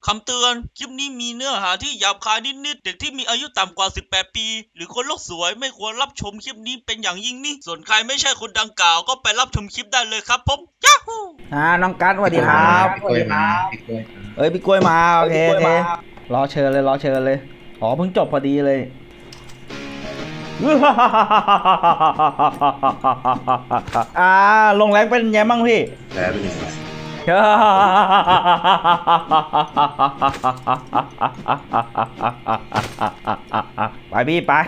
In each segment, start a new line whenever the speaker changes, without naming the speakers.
คำเตือนคลิปนี้มีเนื้อหาที่หยาบคายนิดๆเด็กที่มีอายุต่ำกว่า18ปีหรือคนโลกสวยไม่ควรรับชมคลิปนี้เป็นอย่างยิ่งนี่ส่วนใครไม่ใช่คนดังกล่าวก็ไปรับชมคลิปได้เลยครับผมยาฮู
น้องกัสสวัสดีครับ
พี่กล้วยมาพี่กล้วย
พี่กล้วยมาโอเครอเชิญเลยอ๋อเพิ่งจบพอดีเลย ลงแรงเป็นไงบ้างพี่
แพ้เป็นยังไง
ไปพี่ไป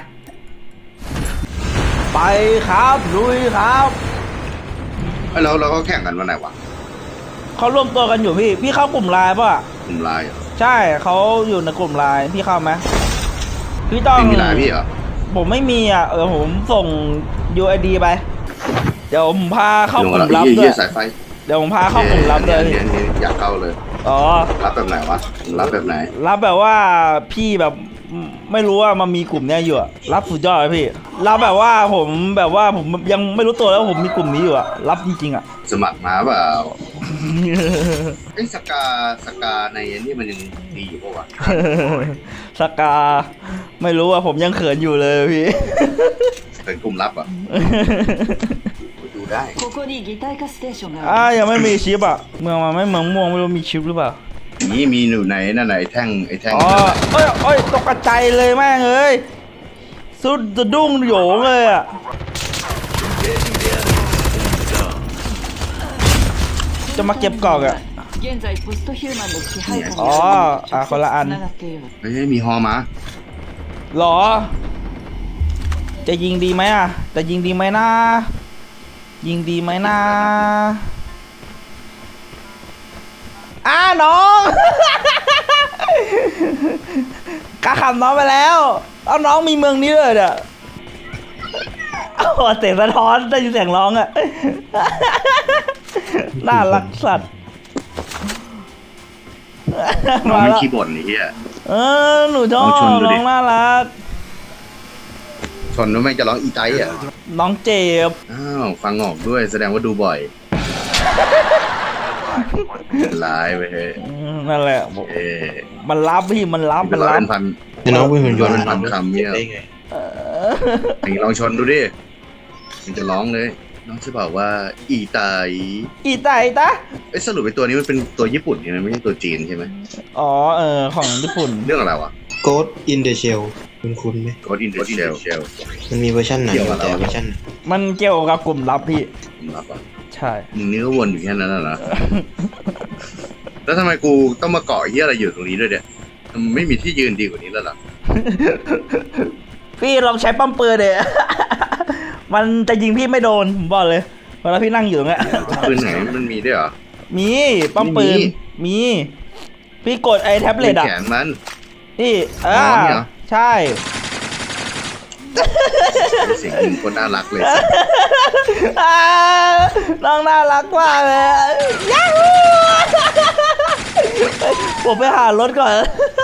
ครับลุยครับ
แล้วเราก็แข่งกันวันไหนวะ
เขาร่วมตัวกันอยู่พี่เข้ากลุ่มไลน์ป่ะ
กลุ่มไลน์เหรอ
ใช่เขาอยู่ในกลุ่มไลน์พี่เข้าไหมพี่ต้อง
มีไลน์พี่เหรอ
ผมไม่มีอ่ะผมส่ง UID ไปเดี๋ยวผมพาเข้ากลุ่มลับด้วย
สายไฟ
เดี๋ยวผมพาเข้ากลุ่มลับเลย
เนี่ยอยากเข้าเลย
อ๋อ
รับแบบไหนวะรับแบบไหน
รับแบบว่าพี่แบบไม่รู้ว่ามันมีกลุ่มเนี้ยอยู่อะรับสุดยอดเลยพี่รับแบบว่าผมยังไม่รู้ตัวแล้วผมมีกลุ่มนี้อยู่อะรับจริงๆอะ
สมัครมาเปล่าไอ้สกาในนี่มันยังดีอยู่ปะวะ
สกาไม่รู้อะผมยังเขินอยู่เลยพี่
เป็นกลุ่มลับอ่ะดูได้
ยังไม่มีชิปอะเมืองมันไม่เมืองม่วงไม่รู้มีชิปหรือเปล่า
นี่มีหนูไหนนั่นไหนแท่ง
อ๋อเอ้ยตกใจเลยแม่งเอ้ยสุดจะดุ้งโหยงเลยอะจะมาเก็บกล่องอะอ๋อคนละอัน
เฮ้ยมีฮอมา
หรอจะยิงดีไหมอะจะยิงดีไหมนะยิงดีไหมนะน้อง กะขำน้องไปแล้วเอาน้องมีเมืองนี้เลยเนี่ยเสียงสะท้อนได้ยินเสียงร้องอะน่ารักสัตว์
น้องมันขี้บ่นนี่เฮีย
หนูชอบน้องน่ารัก
ชนแล้วไม่จะร้องอีไตอ่ะ
น้องเจ็บ
ฟังออกด้วยแสดงว่าดูบ่อยไลฟ์ไปเฮ้ย
นั่นแหละมันรับพี่มันรับ
เป็นพัน
น้องเป็นหุ่นยนต์
เป็นพันคำเนี่ยไอ้ลองชนดูดิมันจะร้องเลยน้องจะบอกว่าอีไต
ตะ
สรุปไอ้ตัวนี้มันเป็นตัวญี่ปุ่นใช่ไหมไม่ใช่ตัวจีนใช่ไหม
อ๋อของญี่ปุ่น
เรื่องอะไรวะ
Ghost in the Shell คุ้นไหม
Ghost in the Shell
มันมีเวอร์ชันไหนแต่เวอร์ชัน
มันเกี่ยวกับกลุ่มลับพี่
กลุ่มลับอ่ะ
ใช่
มึงนี่ก็วนอยู่แค่นั้นนะแล้วทำไมกูต้องมาเกาะเหี้ยอะไรอยู่ตรงนี้ด้วยเนี่ยมันไม่มีที่ยืนดีกว่านี้แล้วหรอ
พี่ลองใช้ปั๊มปืนเดะมันจะยิงพี่ไม่โดนผมบอกเลยเวลาพี่นั่งอยู่ตรงเนี้ย
ปืนไหนมันมีด้วยเหรอ
มีปั๊มปืนมีพี่กดไอ้แท็บเล็ตอ่ะ
แขนมัน
นี่ใช่
เสียงยิงคนน่ารักเลย
น้องน่ารักมากเลยย้าฮูผมไปหารถก่อน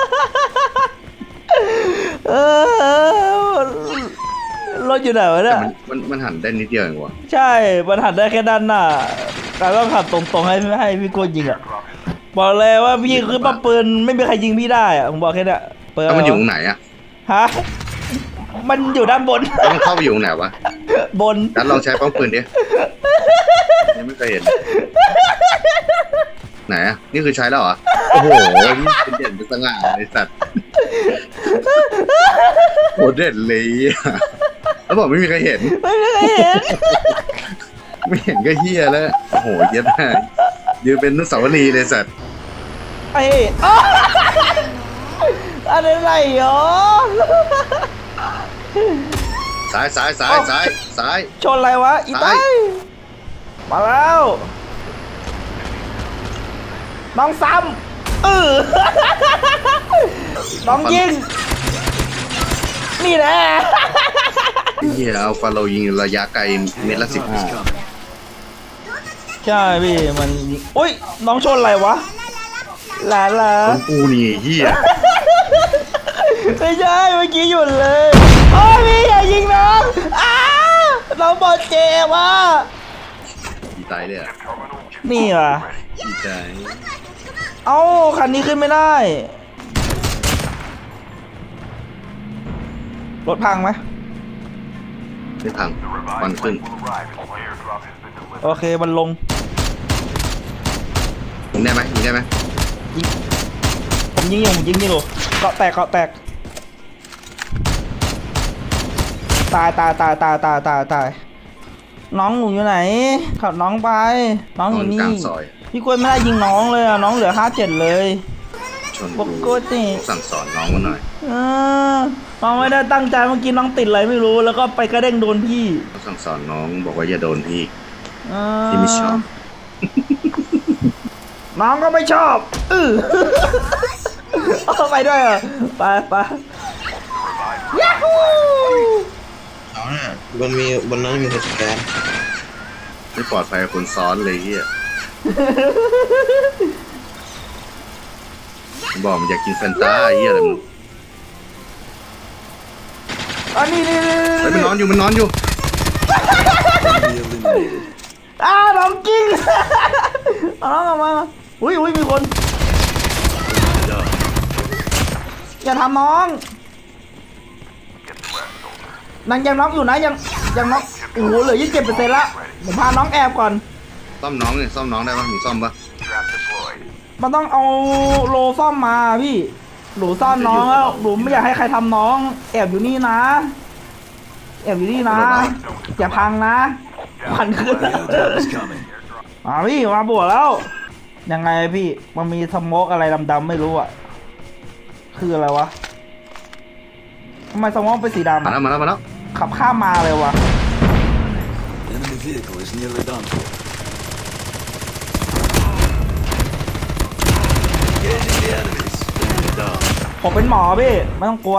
รถอยู่ไหนวะเนี่ย
มันหันได้นิดเดียวเองวะ
ใช่มันหันได้แค่ด้านหน้าแต่ต้องขับตรงๆให้พี่โกยิงอ่ะบอกเลยว่าพี่คือปั๊มปืนไม่มีใครยิงพี่ได้อ่ะผมบอกแค่นี้
แล้วมันอยู่ตรงไหนอ่ะ
ฮะมันอยู่ด้านบน
แล้วมันเข้าไปอยู่ตรงไหนวะ
บน
งั้นลองใช้ปั๊มปืนดิยังไม่เคยเห็นไหนอ่ะนี่คือใช้แล้วเหรอโอ้โหเป็นเด่นเป็นสง่าเลยสัตว์โหเด่นเลยแล้วบอกไม่มีใครเห็นไม่เห็นก็เฮียแล้วโอ้โหเย็บมากยืนเป็นนุสาวรีย์เลยสัตว์
อะไรเหรอ
ซ้าย
ชนอะไรวะอีไตมาแล้วน้องซ้ำน้องยิงนี่แหละ
เฮียเอาฟาโลยิงระยะไกลเมตรละ15
ใช่พี่มันอุ้ยน้องชนอะไรวะหลาน
กูนี่เฮีย
ไม่ใช่เมื่อกี้หยุดเลยโอ้ยพี่อย่ายิงน้องน้องบอลเจ็บว่ะ
อีไตเลยอ่ะ
นี่ว่ะ
อีไต
เอ้าคันนี้ขึ้นไม่ได้รถพังไหม
ไม่พังควันขึ้น
โอเคมันลง
ยิงได้ไหมยิงได้ไหม
ผมยิงอยู่เกาะแตกตายน้องหนูอยู่ไหนขับน้องไปน้อง
น
อ
อยู่ น
นี่
กลางซอย
พี่กล้วยไม่ได้ยิงน้องเลยอ่ะน้องเหลือ57เลย
ชน
ปกติ
สั่งสอนน้องมาหน่อย
น้องไม่ได้ตั้งใจเมื่อกี้น้องติดอะไรไม่รู้แล้วก็ไปกระเด้งโดนพี่
สั่งสอนน้องบอกว่าอย่าโดนพี่
เออ
ที่ไม่ชอบ
น้องก็ไม่ชอบเอาไปด้วยเหรอไปยัฮู
บนนั้นมีคนสแกน
ไม่ปลอดภัยกับคนซ้อนเลยเฮียบอกมันอยากกินแฟนตาเฮียอะไรมึง
อันนี้
เฮ้ยมันนอนอยู่
น้องกิ้งเอาน้องออกมาอุ้ยมีคนอย่าทำน้องยังน็อกอยู่นะยังน็อกโอ้โหเหลือ27%ละผมพาน้องแอบก่อน
ซ่อมน้องเนี่ยซ่อมน้องได้ปะมีซ่อมปะ
มันต้องเอาโลซ่อมมาพี่หนูซ่อนน้องแล้วหนูไม่อยากให้ใครทำน้องแอบอยู่นี่นะอย่าพังนะพันขึ้นพี่มาบวกแล้วยังไงพี่มันมีสโมกอะไรดำๆไม่รู้อ่ะคืออะไรวะทำไมสโมกเป็นสีดำ
มาแล้ว
ขับข้ามมาเลยวะ
Enemy vehicle is nearly done for. Engaging the enemies. Enemy down.
ผมเป็นหมอพี่ไม่ต้องกลัว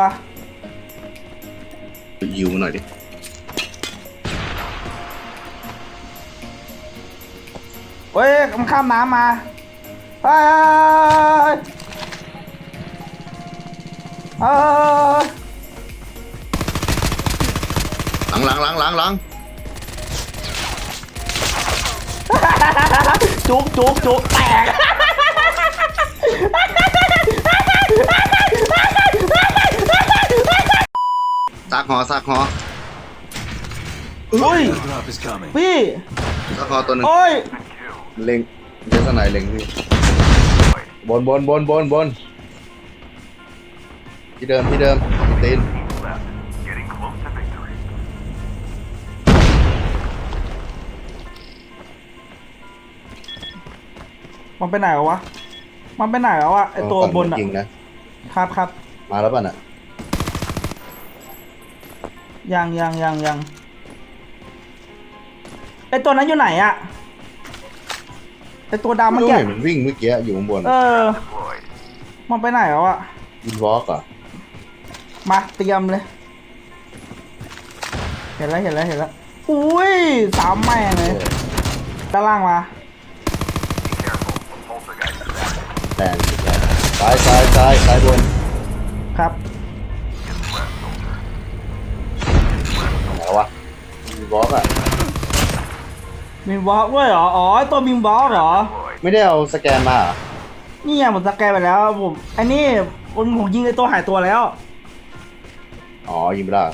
ยิวหน่อยดิ
เฮ้ยมันข้ามน้ำมาเฮ้ย
หลัง
จุกแตก
ซากหอ
อุ้ย
Drop is coming.
พี่
ซากหอตัวหนึ่ง
โอ้ย
เล็งเจสันไหนเล็งพี่บนที่เดิมตีน
มันไปไหนวะไอตัวบนอะ
ยิงนะครับ มาแล้วป่ะน่ะ
ยังไอตัวนั้นอยู่ไหนอะไอตัวดำ
ไม่
เมื่อ
รู้
กี้
เห็นมันวิ่งเมื่อกี้อยู่ข้างบน
มันไปไหนแล้วอะ
วินวอล์กอ่ะ
มาเตรียมเลยเห็นแล้วอุ้ยสามแม่งเลยด้านล่างมา
แรงซ้ายบน
ครับ
ไหนวะวินวอล์กอ่ะ
มีบล็อกด้วยเหรออ๋อไอ้ตัวมีบล็อกเหรอ
ไม่ได้เอาสแกนมาเหรอ
นี่ไงผมสแกนไปแล้วผมอันนี้ผมยิงไอ้ตัวหายตัวแล้ว
อ๋อยิงไม่ได้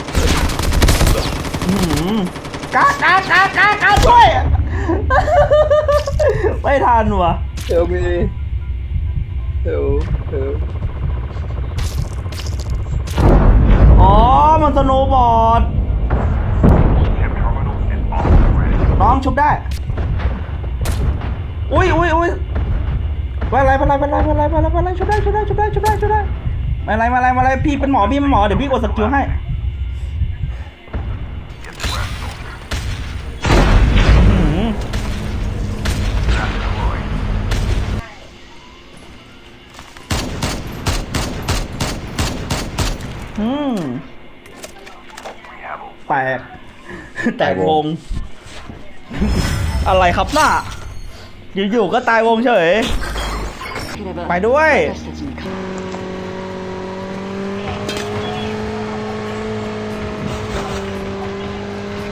กาช่วย ไม่ทันวะ
เฮลมีเฮล
อ๋อมันสโนว์บอร์ดน้องชุบได้อุ้ยไปอะไรชุบได้มาอะไรพี่เป็นหมอเดี๋ยวพี่กดสกิลให้แตกวง อะไรครับหน้าอยู่ๆก็ตายวงเฉยไปด้วย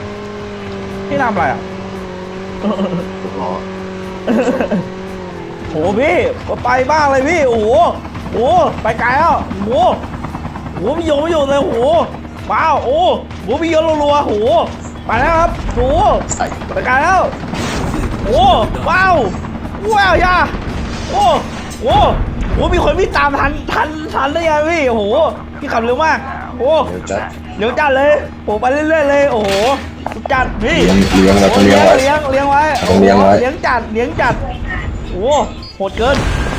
พี่ทำอะไรอ่ะ
รอ
โหพี่ไปบ้างเลยพี่โอ้โหโอ้ไปไกลแล้วโอ้โหโอ้พี่โยไม่อยู่เลยโอ้โหว้าวโอ้โหพี่โยรัวๆโอ้โหไปแล้วครับโอ้โห
ใส่
ไปไกลแล้วโอ้ว้าวว้าวยาโอ้โหโอ้มีคนวิ่งตามทันได้ยังพี่โอ้โหพี่ขับเร็วมากโอ้
เดี๋ยวจัด
เดี๋ยวจัดเลยโอ้ไปเรื่อยๆเลยโอ้โหสุดจัดพี่
เลี้ยงเราต้องเลี้ยงไว้
เลี้ยงไว้
ต้องเลี้ยงไว้
เลี้ยงจัดโอ้โหดเกิน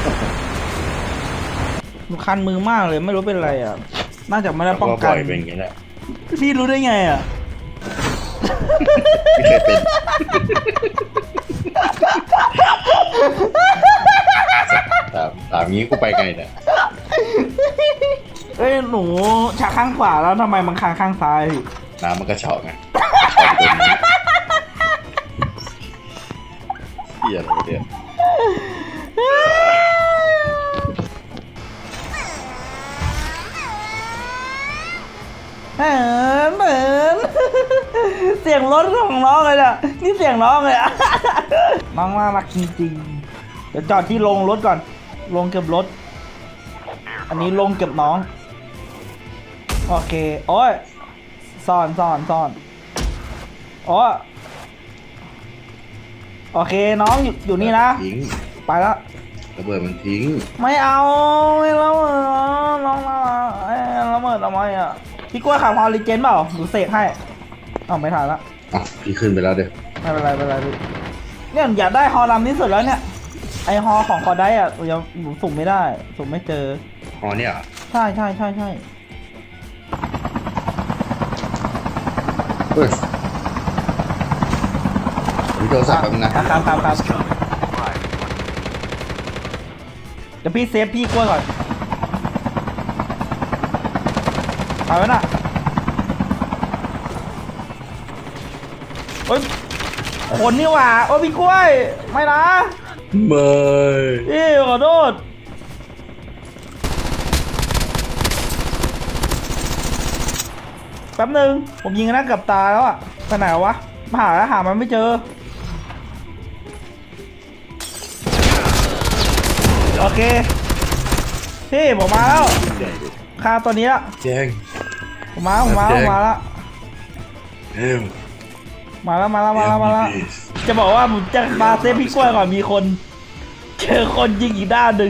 มันคันมือมากเลยไม่รู้เป็นไรอ่ะน่าจะไม่ได้ป้องกัน
บ่อยเป็นอย่างนี้แหละ
พี่รู้ได้ไงอ่ะ
ไม่เคยเป็นถามงี้กูไปไงเนี่ย
เอ้ยหนูชักข้างขวาแล้วทำไมมันค้างข้างซ้ายพี่
น้ำมันก็เฉาะไงเหี้ยอะไรเนี่ย
เหมือนเสียงรถของน้องเลยอ่ะนี่เสียงน้องเลยอ่ะ น้องน่ารักจริงๆเดี๋ยวจอดที่ลงรถก่อนลงเก็บรถ อันนี้ลงเก็บน้องโอเคโอ้ยซ่อนโอ้ยโอเคน้องอยู่นี่นะ
ทิ้ง
ไปแล้ว
ระเบิดมันทิ้ง
ไม่เอาไม่ละเมิดน้องละเมิดทำไมอ่ะพี่กล้วยขับฮอลลีเจนเปล่าหนูเสกให้เอาไม่ทันละ
อ่ะพี่ขึ้นไปแล้วเดี๋ยว
ไม่เป็นไรพี่เนี่ยอยากได้ฮอลลำที่สุดแล้วเนี่ยไอฮอของคอได้อ่ะยังหนูสุ่มไม่ได้สุ่มไม่เจอ
อ๋อเนี่ยเหรอ
ใช่
เฮ้ยมีโทรศัพท์แป๊บนึงนะครับ
เดี๋ยวพี่เซฟพี่กล้วยก่อนไปแล้วน่ะโอ๊ยคนนี่หว่าโอ๊ยพี่กล้วยไม่นะ
ไม่
พี่ขอโทษแป๊บนึงผมยิงหน้ากับตาแล้วอะไปไหนวะมาหามันไม่เจอโอเคพี่ผมมาแล้วฆ่าตัวนี้ละ
แจ้ง
ผมมาแล้ว
เฮ้ย
มาแล้วจะบอกว่าผมจะมาเซฟพี่กล้วยก่อนมีคนเจอคนยิงอีกด้านหนึ่ง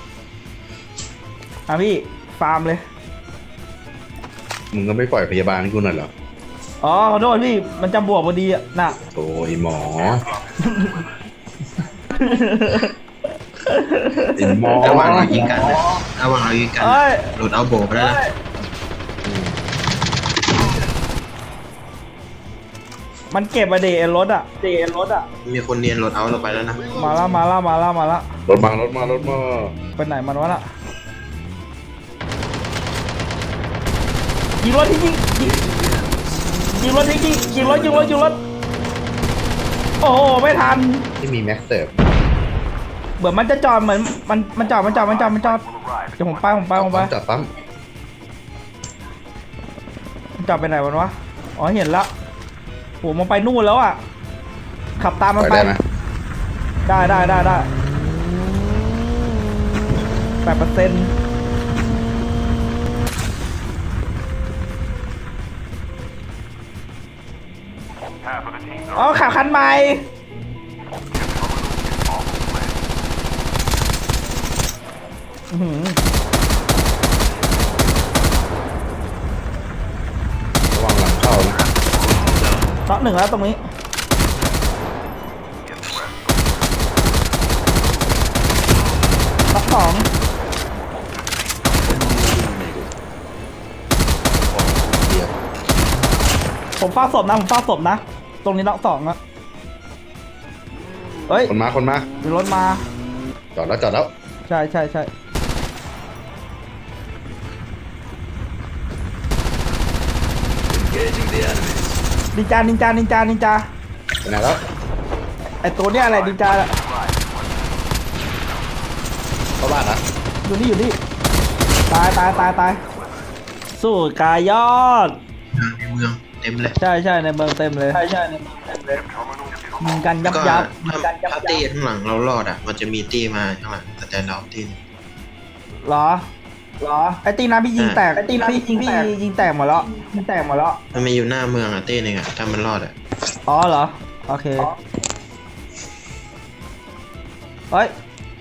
อ่ะพี่ฟาร์มเลย
มึงก็ไม่ปล่อยพยาบาลให้กูหน่อยเหรอ
อ๋อขอโทษพี่มันจะบวกพอดีอ่ะน่ะ
โอ้ยหมอไอ้หมอ
ระหว่างเรายิงกันนะระหว่างเรายิงกัน
เอ้ย
หลุดเอาโบไปแล้วนะ
มันเก็บมาเดรถอ่ะ
มีคนเนียนหลุดเอาเราไปแล้วนะ
มาแล้ว
รถมา
ไปไหนมันวะน่ะยิงรถทิ้งยิงรถโอ้โหไม่ทัน
ที่มีแม็กเสิร์ฟ
เหมือนมันจะจอดเหมือนมันจอดเดี๋ยวผมไป
จับปั๊ม
มันจอดไปไหนวะอ๋อเห็นแล้วโหมันไปนู่นแล้วอ่ะขับตามมันไป
ได้ไหม
ได้8%อ๋อขับคันใหม่อื้อหือ
ระวังหลังเข้านะ
น็อกหนึ่งแล้วตรงนี้น็อกสอง
เดี๋ยว
ผมเฝ้าศพนะตรงนี้น็อกสองอะเฮ้ย
คนมา
มีรถมา
จอดแล้ว
ใช่นินจา
ไปไหนแล้ว
ไอตัวเนี้ยอะไรนินจาอะ
เข้าบ้านนะ
อยู่นี่ตายสู้กายยอด
ในเมืองเต็มเลย
ใช่ในเมืองเต็มเลยยิงกันยับ
ก็
ยับ
ถ้าตีข้างหลังเรารอดอ่ะ มันจะมีตีมาข้างหลังสแตนดอร์ตี
เหรอไอตีนะพี่ยิงแตกพี่ยิงแตกหมดแล้ว
มันมีอยู่หน้าเมืองอ่ะตีหนึ่งอ่ะถ้ามันรอดอ่ะ
อ๋อเหรอโอเคเฮ้ย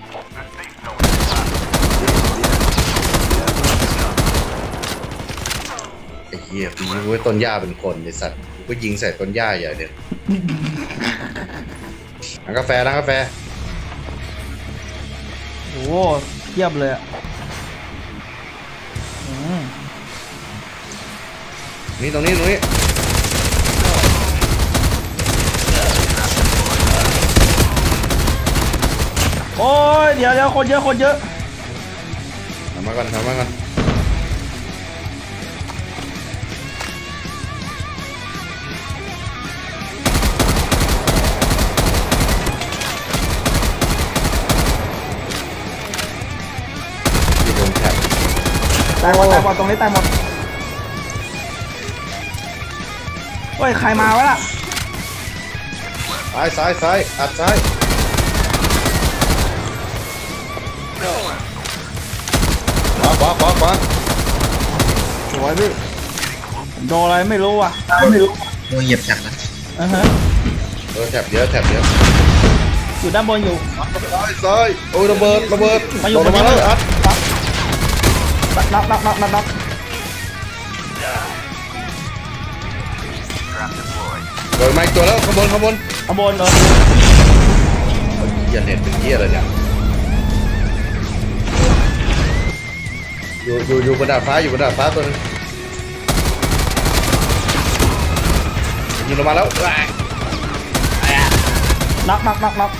ไอ้เหี้ยกูนึกว่าต้นหญ้าเป็นคนไอ้สัตว์กูก็ยิงใส่ต้นหญ้าอย่างเดียวร้านกาแฟ
โอ้โหเทียบเลยอะอืม
นี่ตรงนี้
โอ้ยเดี๋ยวคนเยอะ
ทำมาก่อนที่โดนแท็บ
ตายหมดตรงนี้ตายหมดเฮ้ยใครมาวะล่ะ
ซ้ายอัดซ้ายขวา
สวยพี่โดนอะไรไม่รู้อ่ะ
โดนเหยียบฉักนะ
แท็บเยอะ
อยู่ด้านบนอยู่
ซ้ายโอ้ยระเบิด
มาอยู่
โดนมาแล้วอัด
น็อก
โดนมาอีกตัวแล้วข้างบน
ข้างบนเลย
เหี้ยเน็ตเป็นเหี้ยอะไรเนี่ยอยู่บนดาดฟ้าตัวนึงยิงลงมาแล้ว
น็อก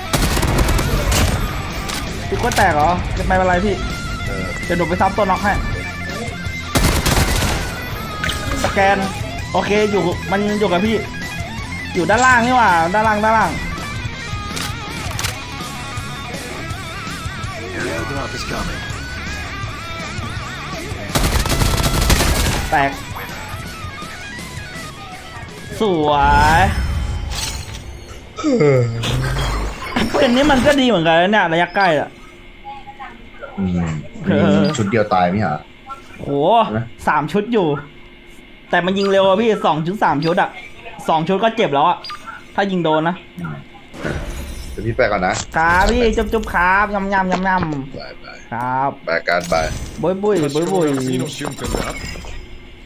พี่ก็แตกเหรอจะไม่เป็นไรพี่เดี๋ยวหนูไปซับตัวน็อกให้สแกนโอเคมันอยู่กับพี่อยู่ด้านล่างนี่หว่าด้านล่าง
The airdrop is coming.
แตกสวยเป็นนี้มันก็ดีเหมือนกันนะเนี่ยระยะใกล้อะ
ชุดเดียวตายไหมฮะ
โห3 ชุดอยู่ แต่มันยิงเร็วอะพี่2 ชุด 3 ชุดอะ2 ชุดก็เจ็บแล้วอะถ้ายิงโดนนะ
เดี๋ยวพี่ไปก่อนนะครับ
พี่จุ๊บครับยำ
บาย
ครับ
บายการบาย
บุย
Синус, Сюмкин, да?